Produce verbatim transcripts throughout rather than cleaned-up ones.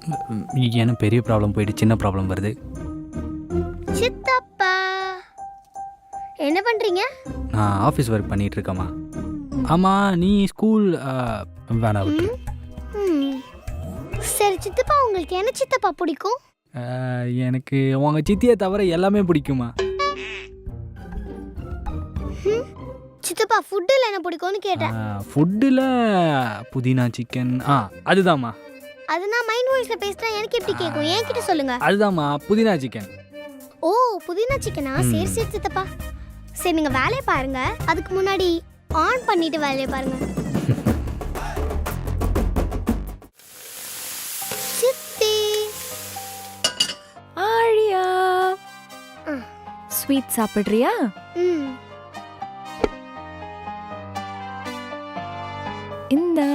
எனக்கு பெரிய ப்ராப்ளம் போயிட்டு சின்ன ப்ராப்ளம் வருது. சித்தப்பா என்ன பண்றீங்க? நான் ஆஃபீஸ் ஒர்க் பண்ணிட்டு இருக்கேம்மா. ஆமாம், நீ ஸ்கூல் வேணாம் விட்டு. ம். சரி சித்தப்பா, உங்களுக்கு என்ன சித்தப்பா பிடிக்கும்? எனக்கு உங்கள் சித்தியை தவிர எல்லாமே பிடிக்குமா. ம். சித்தப்பா ஃபுட்டில் என்ன பிடிக்கும்னு கேட்டேன். ஃபுட்டில் புதினா சிக்கன். ஆ அதுதாம்மா. அது நான் மைண்ட் வாய்ஸ்ல பேசினா எனக்கு எப்படி கேட்கும்? என்கிட்ட சொல்லுங்க. அதுதாம்மா புதினா சிக்கன். ஓ புதினா சிக்கனா? சரி சரி சித்தப்பா. சரி நீங்க வேலையை பாருங்க, அதுக்கு முன்னாடி ஆன் பண்ணிட்டு வேலையை பாருங்க. சித்தி ஆழியா, ஸ்வீட் சாப்பிடுறியா? ம். இந்தா.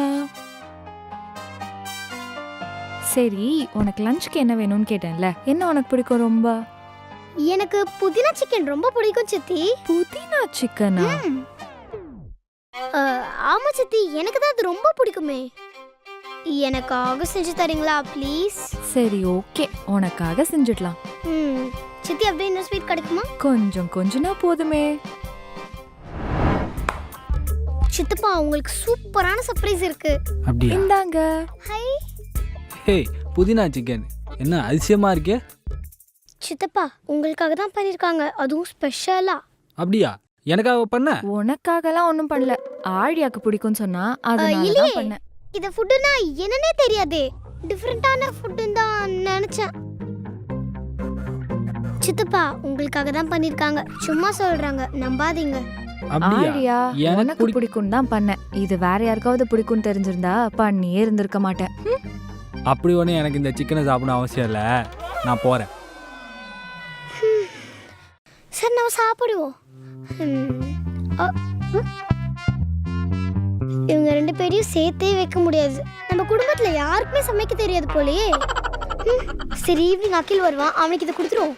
சரி, உனக்கு லஞ்சுக்கு என்ன வேணும்னு கேட்டேன்ல, என்ன உனக்கு பிடிக்கும் ரொம்ப? எனக்கு புதினா சிக்கன் ரொம்ப பிடிக்கும் சித்தி. புதினா சிக்கனா? ம். அ, ஆமா சித்தி, எனக்கு தான் அது ரொம்ப பிடிக்குமே. எனக்காக செஞ்சு தரீங்களா ப்ளீஸ்? சரி ஓகே, உனக்காக செஞ்சிடலாம். ம். சித்தி அப்படியே இன்னும் ஸ்வீட் கிடைக்குமா? கொஞ்சம் கொஞ்சனா போதுமே. சித்தப்பா உங்களுக்கு சூப்பரான சர்ப்ரைஸ் இருக்கு. அப்படியா? இந்தாங்க. ஹை ஹே, புதினா சிக்கன் என்ன அதிசயமாக இருக்கே. சித்தப்பா உங்களுக்காக தான் பண்ணிருக்காங்க, அதுவும் ஸ்பெஷலா. அப்படியா? எனக்காக பண்ண? உனக்காகலாம் ஒன்றும் பண்ணல, ஆழியாக்கு பிடிக்கும்னு சொன்னா அதனால தான் பண்ணேன். இந்த ஃபுட்டுனா என்னன்னே தெரியாதே, டிஃபரெண்டான ஃபுட்டுன்னு தான் நினைச்சேன். சித்தப்பா உங்களுக்காக தான் பண்ணிருக்காங்க, சும்மா சொல்றாங்க, நம்பாதீங்க. ஆழியா உனக்கு பிடிக்கும் தான் பண்ணேன், இது வேற யாருக்காவது பிடிக்கும்னு தெரிஞ்சிருந்தா பண்ணியே இருந்திருக்க மாட்டேன். அப்படி ஒன்று எனக்கு இந்த சிக்கனை சாப்பிடணும் அவசியம் இல்லை, நான் போகிறேன். சரி நம்ம சாப்பிடுவோம். இவங்க ரெண்டு பேரையும் சேர்த்தே வைக்க முடியாது, நம்ம குடும்பத்துல யாருக்குமே சமைக்க தெரியாது போலயே. சரி ஈவினிங் அகில் வருவான், அவனுக்கு இதை கொடுத்துருவோம்.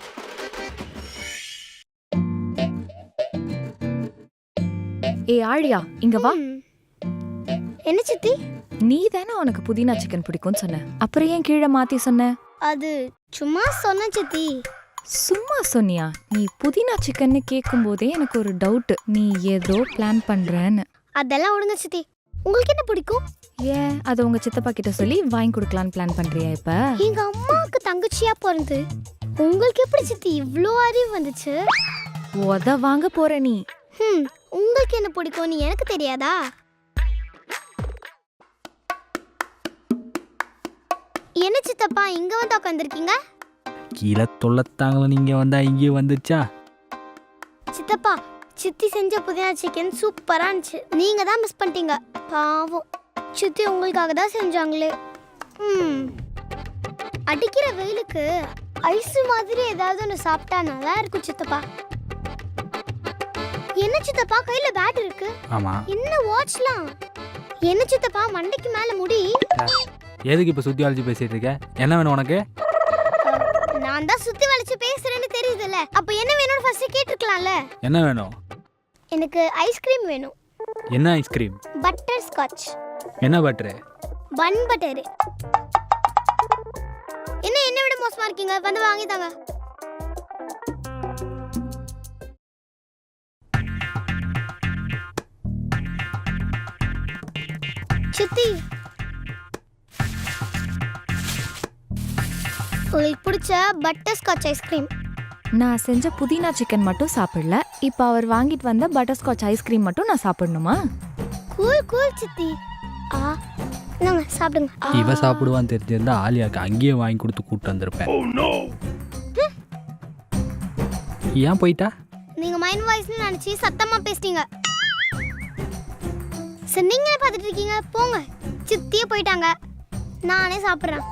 ஏ ஆழியா இங்க வா. என்ன சித்தி? நீ தானே உனக்கு புதினா சிக்கன் பிடிக்கும்னு சொன்ன, அப்புறம் ஏன் கீழே மாத்தி சொன்ன? அது சும்மா சொன்ன சித்தி. சும்மா சொன்னியா? நீ புதினா சிக்கன்னு கேட்கும் போதே எனக்கு ஒரு டவுட், நீ ஏதோ பிளான் பண்றேன்னு. அதெல்லாம் விடுங்க சித்தி, உங்களுக்கு என்ன பிடிக்கும்? ஏன் அதை உங்க சித்தப்பா கிட்ட சொல்லி வாங்கி கொடுக்கலான்னு பிளான் பண்றியா? இப்ப எங்க அம்மாவுக்கு தங்கச்சியா பிறந்து உங்களுக்கு எப்படி சித்தி இவ்ளோ அறிவு வந்துச்சு? உத வாங்க போற நீ. ஹம், உங்களுக்கு என்ன பிடிக்கும்னு எனக்கு தெரியாதா? என்ன சித்தப்பா இங்க வந்து உட்காந்துருக்கீங்க? கீழே தொல்லத்தாங்கள நீங்கள் வந்தா இங்கேயே வந்துச்சா? சித்தப்பா சித்தி செஞ்ச புதினா சிக்கன் சூப்பரா இருந்துச்சு, நீங்க தான் மிஸ் பண்ணிட்டீங்க பாவம். சித்தி உங்களுக்காக தான் செஞ்சாங்களே. ம். அடிக்கிற வெயிலுக்கு ஐஸ் மாதிரி ஏதாவது ஒன்று சாப்பிட்டா நல்லா இருக்கும் சித்தப்பா. என்ன சித்தப்பா கையில பேட் இருக்கு? ஆமா. என்ன வாட்ச்லாம்? என்ன சித்தப்பா மண்டைக்கு மேல முடி? எதுக்கு இப்போ சுத்தி வளைச்சு பேசிட்டு இருக்க? என்ன வேணும் உனக்கு? நான் தான் சுத்தி வளைச்சு பேசுறேன்னு தெரியுதுல்ல, அப்ப என்ன வேணும்னு ஃபர்ஸ்ட் கேட்டிருக்கலாம்ல. என்ன வேணும்? எனக்கு ஐஸ்கிரீம் வேணும். என்ன ஐஸ்கிரீம்? Butterscotch. என்ன பட்டர்? Bun butter. என்ன என்ன விட மோசமா இருக்கீங்க, வந்து வாங்கி தாங்க. சித்தி உங்களுக்கு பிடிச்ச பட்டர் ஸ்காட்ச் ஐஸ்கிரீம். நான் செஞ்ச புதினா சிக்கன் மட்டும் சாப்பிடல, இப்போ அவர் வாங்கிட்டு வந்த பட்டர் ஸ்காட்ச் ஐஸ்கிரீம் மட்டும் நான் சாப்பிடணுமா? கூல் கூல் சித்தி. ஆ நாங்க சாப்பிடுங்க. இவ சாப்பிடுவான்னு தெரிஞ்சிருந்தா ஆலியாக்கு அங்கேயே வாங்கி கொடுத்து கூப்பிட்டு வந்திருப்பேன். ஏன் போயிட்டா? நீங்க மைண்ட் வாய்ஸ்னு நினைச்சு சத்தமா பேசிட்டீங்க. சரி நீங்களே பார்த்துட்டு இருக்கீங்க, போங்க. சித்தியே போயிட்டாங்க, நானே சாப்பிட்றேன்.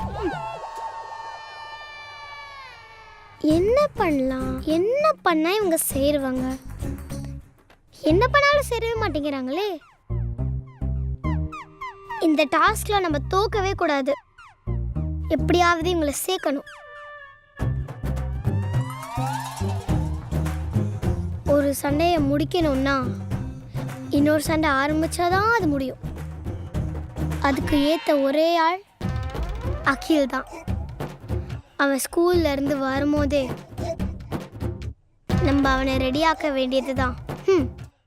என்ன பண்ணலாம், என்ன பண்ணா இவங்க சேருவாங்க? என்ன பண்ணாலும் சேரவே மாட்டேங்கிறாங்களே. இந்த டாஸ்க்ல நம்ம தோக்கவே கூடாது, எப்படியாவது இவங்களை சேர்க்கணும். ஒரு சண்டையை முடிக்கணும்னா இன்னொரு சண்டை ஆரம்பிச்சாதான் அது முடியும். அதுக்கு ஏத்த ஒரே ஆள் அகில் தான். அவன் ஸ்கூல்ல இருந்து வரும்போதே நம்ம அவனை ரெடியாக்க வேண்டியது தான். ம்